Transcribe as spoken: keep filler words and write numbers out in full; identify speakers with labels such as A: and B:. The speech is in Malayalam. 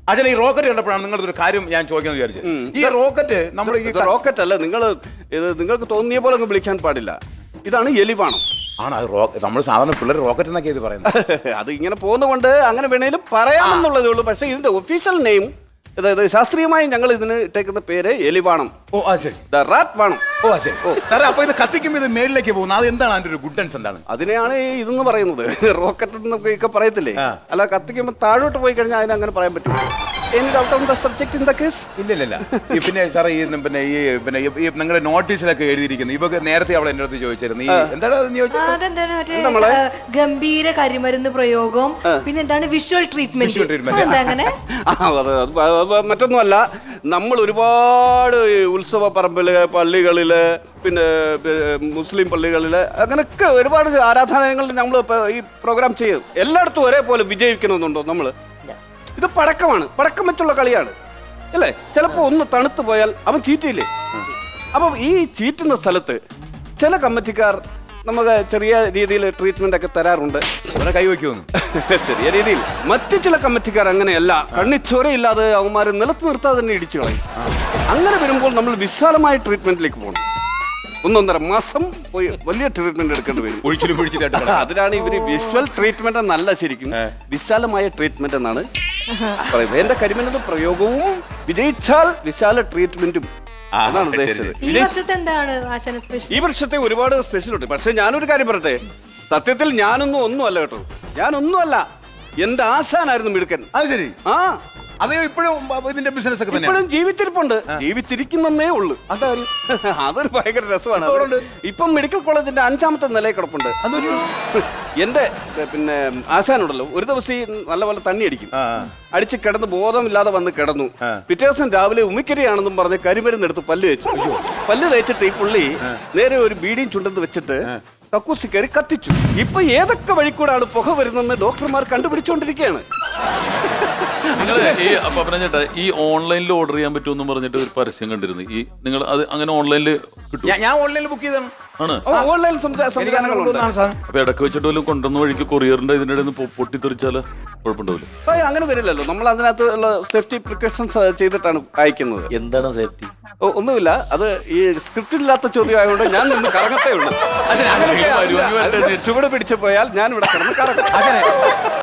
A: അച്ഛൻ ഈ റോക്കറ്റ് കണ്ടപ്പോഴാണ് നിങ്ങളുടെ ഒരു കാര്യം ഞാൻ ചോദിക്കാൻ വിചാരിച്ചത്. ഈ റോക്കറ്റ് നമ്മൾ ഈ
B: റോക്കറ്റ് അല്ല, നിങ്ങൾ ഇത് നിങ്ങൾക്ക് തോന്നിയ പോലെ അങ്ങ് വിളിക്കാൻ പാടില്ല. ഇതാണ് എലിവാണം.
A: ആണ് അത് റോക്കറ്റ്. നമ്മൾ സാധാരണ പിള്ളേർ റോക്കറ്റ് എന്നൊക്കെ ഇത് പറയുന്നത്.
B: അത് ഇങ്ങനെ പോകുന്നതുകൊണ്ട് അങ്ങനെ വേണേലും പറയാമെന്നുള്ളതേ ഉള്ളൂ. പക്ഷേ ഇതിന്റെ ഒഫീഷ്യൽ നെയിം, അതായത് ശാസ്ത്രീയമായി ഞങ്ങൾ ഇതിന് ഇട്ടേക്കുന്ന പേര് എലിവാണം.
A: ഓ ആ ശരി.
B: ദ റാറ്റ് വാണം.
A: ഓ ആ ശരി. സാറേ അപ്പൊ ഇത് കത്തിക്കുമ്പോൾ ഇത് മേളിലേക്ക് പോകുന്നത് അത് എന്താണ് അതിന്റെ ഒരു ഗുഡൻസ് എന്താണ്?
B: അതിനെയാണ് ഈ ഇതെന്ന് പറയുന്നത്. റോക്കറ്റ് എന്നൊക്കെ പറയത്തില്ലേ, അല്ല കത്തിക്കുമ്പോൾ താഴോട്ട് പോയി കഴിഞ്ഞാൽ അതിന് അങ്ങനെ പറയാൻ പറ്റും.
A: ഇല്ല ഇല്ല. പിന്നെ സാറേ ഈ പിന്നെ ഈ പിന്നെ ഈ നിങ്ങളുടെ നോട്ടീസിലൊക്കെ എഴുതിയിരിക്കുന്നത് ഇവക്ക് നേരത്തെ അവളെ എന്റെ അടുത്ത് ചോദിച്ചിരുന്നു, ഈ എന്താണ്
C: അതെന്താണ് ഗംഭീര കരിമരുന്ന് പ്രയോഗം, പിന്നെ എന്താണ് വിഷ്വൽ ട്രീറ്റ്മെന്റ് അങ്ങനെ
B: മറ്റൊന്നുമല്ല. നമ്മൾ ഒരുപാട് ഉത്സവ പറമ്പില്, പള്ളികളില്, പിന്നെ മുസ്ലിം പള്ളികളില്, അങ്ങനെയൊക്കെ ഒരുപാട് ആരാധനാലയങ്ങളിൽ നമ്മൾ ഈ പ്രോഗ്രാം ചെയ്യും. എല്ലായിടത്തും ഒരേപോലെ വിജയിക്കണമെന്നുണ്ടോ? നമ്മള് ഇത് പടക്കമാണ്, പടക്കം വെച്ചുള്ള കളിയാണ് അല്ലേ? ചിലപ്പോ ഒന്ന് തണുത്തു പോയാൽ അവൻ ചീറ്റിയില്ലേ? അപ്പം ഈ ചീറ്റുന്ന സ്ഥലത്ത് ചില കമ്മിറ്റിക്കാർ നമുക്ക് ചെറിയ രീതിയിൽ ട്രീറ്റ്മെന്റ് ഒക്കെ തരാറുണ്ട്.
A: കൈവയ്ക്കുമെന്ന്
B: ചെറിയ രീതിയിൽ. മറ്റു ചില കമ്മിറ്റിക്കാർ അങ്ങനെയല്ല, കണ്ണിച്ചോരയില്ലാതെ അവന്മാരെ നിലത്ത് നിർത്താതെ തന്നെ ഇടിച്ചു കളയും. അങ്ങനെ വരുമ്പോൾ നമ്മൾ വിശാലമായ ട്രീറ്റ്മെന്റിലേക്ക് പോകണം. ഒന്നൊന്നര മാസം പോയി വലിയ ട്രീറ്റ്മെന്റ് എടുക്കേണ്ടി വരും.
A: ഒഴിച്ചിലും പിടിച്ചിട്ട്
B: അതിനാണ് ഇവര് വിഷ്വൽ ട്രീറ്റ്മെന്റ് എന്നല്ല, ശരിക്കും വിശാലമായ ട്രീറ്റ്മെന്റ് എന്നാണ് പറയുന്നത്. എന്റെ കരിമരുന്ന് പ്രയോഗവും വിജയിച്ചാൽ വിശാല ട്രീറ്റ്മെന്റും അതാണ് ഉദ്ദേശിച്ചത്.
C: ഈ വർഷത്തെ എന്താണ് ആശാന സ്പെഷ്യൽ?
B: ഈ വർഷത്തെ ഒരുപാട് സ്പെഷ്യൽ ഉണ്ട്. പക്ഷെ ഞാനൊരു കാര്യം പറയട്ടെ, സത്യത്തിൽ ഞാനൊന്നും ഒന്നുമല്ല കേട്ടോ, ഞാനൊന്നുമല്ല. എന്റെ ആശാനായിരുന്നു മിടുക്കൻ.
A: അത് ശരി.
B: ആ
A: അതെയോ ഇപ്പോഴും ഇതിന്റെ ബിസിനസ് ഒക്കെ തന്നെ
B: ഇപ്പോഴും ജീവിച്ചിരിപ്പുണ്ട്, ജീവിച്ചിരിക്കുന്നേ ഉള്ളൂ. അതാരും അതൊരു ഭയങ്കര രസമാണ്. ഇപ്പം മെഡിക്കൽ കോളേജിന്റെ അഞ്ചാമത്തെ നിലയിൽ കിടപ്പുണ്ട്. അതൊരു എന്റെ പിന്നെ ആശാനുണ്ടല്ലോ, ഒരു ദിവസം ഈ നല്ലപോലെ തണ്ണി അടിക്കും, അടിച്ച് കിടന്ന് ബോധമില്ലാതെ വന്ന് കിടന്നു. പിറ്റേ ദിവസം രാവിലെ ഉമിക്കരിയാണെന്നും പറഞ്ഞ് കരിമരുന്നെടുത്ത് പല്ല് തേച്ചു. പല്ല് തേച്ചിട്ട് ഈ പുള്ളി നേരെ ഒരു ബീഡിയും ചുണ്ടെന്ന് വെച്ചിട്ട് കക്കൂസി കയറി കത്തിച്ചു. ഇപ്പൊ ഏതൊക്കെ വഴിക്കൂടാണ് പുക വരുന്നെന്ന് ഡോക്ടർമാർ കണ്ടുപിടിച്ചുകൊണ്ടിരിക്കുകയാണ്.
D: നിങ്ങൾ ഈ അപ്പൊ പറഞ്ഞിട്ട് ഈ ഓൺലൈനിൽ ഓർഡർ ചെയ്യാൻ പറ്റുമെന്ന് പറഞ്ഞിട്ട് ഒരു പരസ്യം കണ്ടിരുന്നു. ഈ നിങ്ങൾ അത് അങ്ങനെ ഓൺലൈനിൽ കിട്ടും?
A: ഞാൻ ഓൺലൈനിൽ ബുക്ക് ചെയ്താണ്.
D: ആണ്
B: ഓൺലൈൻ
D: അപ്പൊ ഇടക്ക് വെച്ചിട്ട് വല്ലതും കൊണ്ടുവന്ന വഴിക്ക് കൊറിയറിന്റെ ഇതിന്റെ ഇടയിൽ നിന്ന് പൊട്ടിത്തെറിച്ചാല് കുഴപ്പമുണ്ടാവില്ല?
B: അങ്ങനെ വരില്ലല്ലോ, നമ്മൾ അതിനകത്ത് ഉള്ള സേഫ്റ്റി പ്രിക്കോഷൻസ് ചെയ്തിട്ടാണ് അയക്കുന്നത്.
E: എന്താണ് സേഫ്റ്റി?
B: ഒന്നുമില്ല, അത് ഈ സ്ക്രിപ്റ്റ് ഇല്ലാത്ത ചോദ്യം ആയതുകൊണ്ട് ഞാൻ നിന്ന് കറങ്ങത്തേ ഉള്ളൂ. ചുവട് പിടിച്ചു പോയാൽ ഞാൻ ഇവിടെ കിടന്ന് കറങ്ങും.